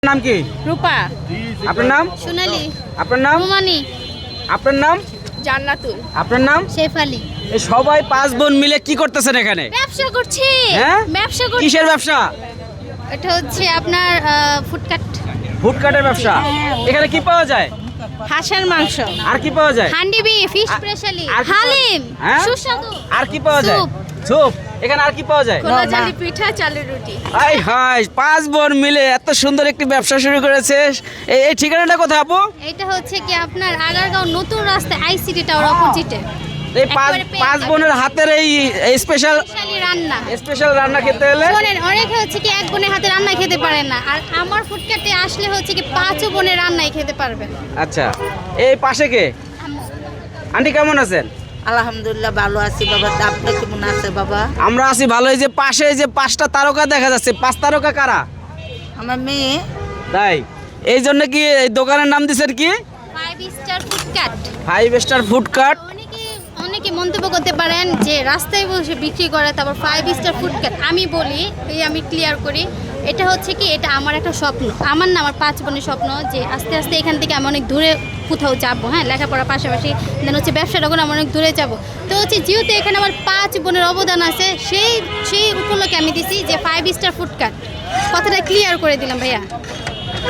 নাম কি? রূপা। আপনার নাম? সোনালী। আপনার নাম? রুমানি। আপনার নাম? জান্নাতুল। আপনার নাম? শেফালি। এই সবাই পাঁচ বোন মিলে কি করতেছেন এখানে? ব্যবসা করছি। হ্যাঁ? ব্যবসা করছি। কিসের ব্যবসা? এটা হচ্ছে আপনার ফুডকার্ট। ফুডকার্টের ব্যবসা। এখানে কি পাওয়া যায়? হাঁসের মাংস। আর কি পাওয়া যায়? হান্ডি বিফ, ফিশ স্পেশালি, আর কি হালিম, হ্যাঁ? সুস্বাদু। আর কি পাওয়া যায়? স্যুপ। স্যুপ। এখানে আর কি পাওয়া যায়? খোলা জালি পিঠা, চালের রুটি। হাই হাই, পাঁচ বোন মিলে এত সুন্দর একটি ব্যবসা শুরু করেছে। এই ঠিকানাটা কোথায় আপু? এটা হচ্ছে কি আপনার আগারগাঁও নতুন রাস্তা আইসিটি টাওয়ার অপোজিটে। এই পাঁচ বোনের হাতের এই স্পেশাল স্পেশাল রান্না খেতে হলে শোনেন, অনেকে হচ্ছে কি এক বোনের হাতে রান্না খেতে পারে না, আর আমার ফুডকার্টে আসলে হচ্ছে কি পাঁচ বোনের রান্নাই খেতে পারবেন। আচ্ছা, এই পাশে কে? আন্টি কেমন আছেন? আলহামদুলিল্লাহ ভালো আছি বাবা। আপনি কেমন আছে বাবা? আমরা আছি ভালো। এই যে পাশে যে পাঁচটা তারকা দেখা যাচ্ছে, পাঁচ তারকা কারা? আমার মেয়ে। তাই এই জন্য কি এই দোকানের নাম দিচ্ছেন কি? 5 স্টার ফুডকার্ট। 5 star food cart. অনেকে মন্তব্য করতে পারেন যে রাস্তায় বসে বিক্রি করে, তারপর 5 স্টার ফুডকার্ট। আমি বলি, আমি ক্লিয়ার করি, এটা হচ্ছে কি, এটা আমার একটা স্বপ্ন। আমার না, আমার পাঁচ বোনের স্বপ্ন যে আস্তে আস্তে এখান থেকে আমি অনেক দূরে কোথাও যাবো। হ্যাঁ, লেখাপড়ার পাশাপাশি দেন হচ্ছে ব্যবসাটা করে আমি অনেক দূরে যাব। তো হচ্ছে যেহেতু এখানে আমার পাঁচ বোনের অবদান আছে, সেই উপলক্ষে আমি দিছি যে 5 স্টার ফুডকার্ট। কথাটা ক্লিয়ার করে দিলাম ভাইয়া।